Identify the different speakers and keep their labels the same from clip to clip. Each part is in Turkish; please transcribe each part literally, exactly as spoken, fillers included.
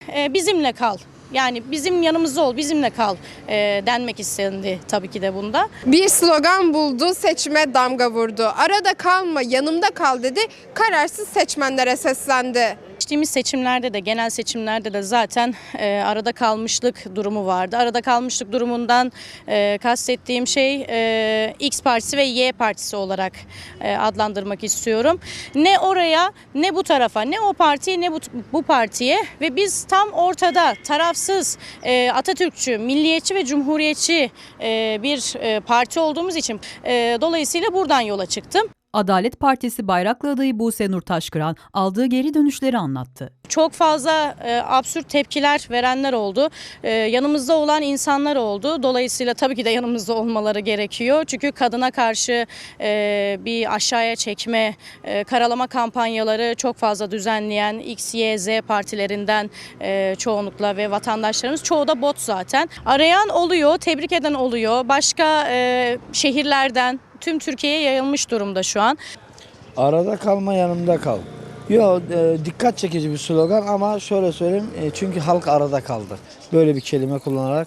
Speaker 1: E, bizimle kal. Yani bizim yanımızda ol, bizimle kal e, denmek istendi tabii ki de bunda.
Speaker 2: Bir slogan buldu, seçime damga vurdu. Arada kalma, yanımda kal dedi, kararsız seçmenlere seslendi.
Speaker 1: Geçtiğimiz seçimlerde de, genel seçimlerde de zaten e, arada kalmışlık durumu vardı. Arada kalmışlık durumundan e, kastettiğim şey e, X partisi ve Y partisi olarak e, adlandırmak istiyorum. Ne oraya, ne bu tarafa, ne o partiye, ne bu, bu partiye ve biz tam ortada tarafsız, e, Atatürkçü, milliyetçi ve cumhuriyetçi e, bir e, parti olduğumuz için e, dolayısıyla buradan yola çıktım.
Speaker 3: Adalet Partisi Bayraklı adayı Buse Nur Taşkıran aldığı geri dönüşleri anlattı.
Speaker 1: Çok fazla e, absürt tepkiler verenler oldu. E, yanımızda olan insanlar oldu. Dolayısıyla tabii ki de yanımızda olmaları gerekiyor. Çünkü kadına karşı e, bir aşağıya çekme, e, karalama kampanyaları çok fazla düzenleyen X, Y, Z partilerinden e, çoğunlukla ve vatandaşlarımız çoğu da bot zaten. Arayan oluyor, tebrik eden oluyor. Başka e, şehirlerden tüm Türkiye'ye yayılmış durumda şu an.
Speaker 4: Arada kalma, yanımda kal. Yok, e, dikkat çekici bir slogan ama şöyle söyleyeyim, e, çünkü halk arada kaldı. Böyle bir kelime kullanarak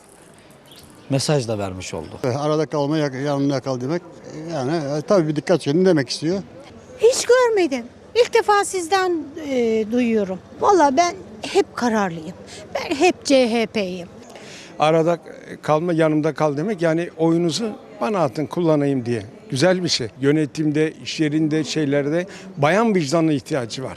Speaker 4: mesaj da vermiş oldu.
Speaker 5: Arada kalma, yanında kal demek yani e, tabii bir dikkat çekin demek istiyor.
Speaker 6: Hiç görmedim. İlk defa sizden e, duyuyorum. Vallahi ben hep kararlıyım. Ben hep C H P'yim.
Speaker 7: Arada kalma, yanımda kal demek, yani oyunuzu bana atın, kullanayım diye. Güzel bir şey. Yönetimde, iş yerinde, şeylerde bayan vicdanına ihtiyacı var.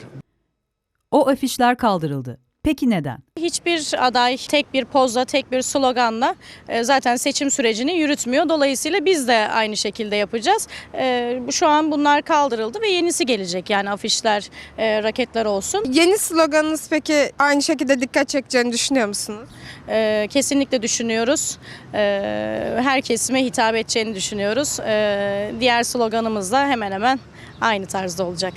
Speaker 3: O afişler kaldırıldı. Peki neden?
Speaker 1: Hiçbir aday tek bir pozla, tek bir sloganla e, zaten seçim sürecini yürütmüyor. Dolayısıyla biz de aynı şekilde yapacağız. E, Şu an bunlar kaldırıldı ve yenisi gelecek. Yani afişler, e, raketler olsun.
Speaker 2: Yeni sloganınız peki aynı şekilde dikkat çekeceğini düşünüyor musunuz?
Speaker 1: E, Kesinlikle düşünüyoruz. E, Her kesime hitap edeceğini düşünüyoruz. E, Diğer sloganımız da hemen hemen aynı tarzda olacak.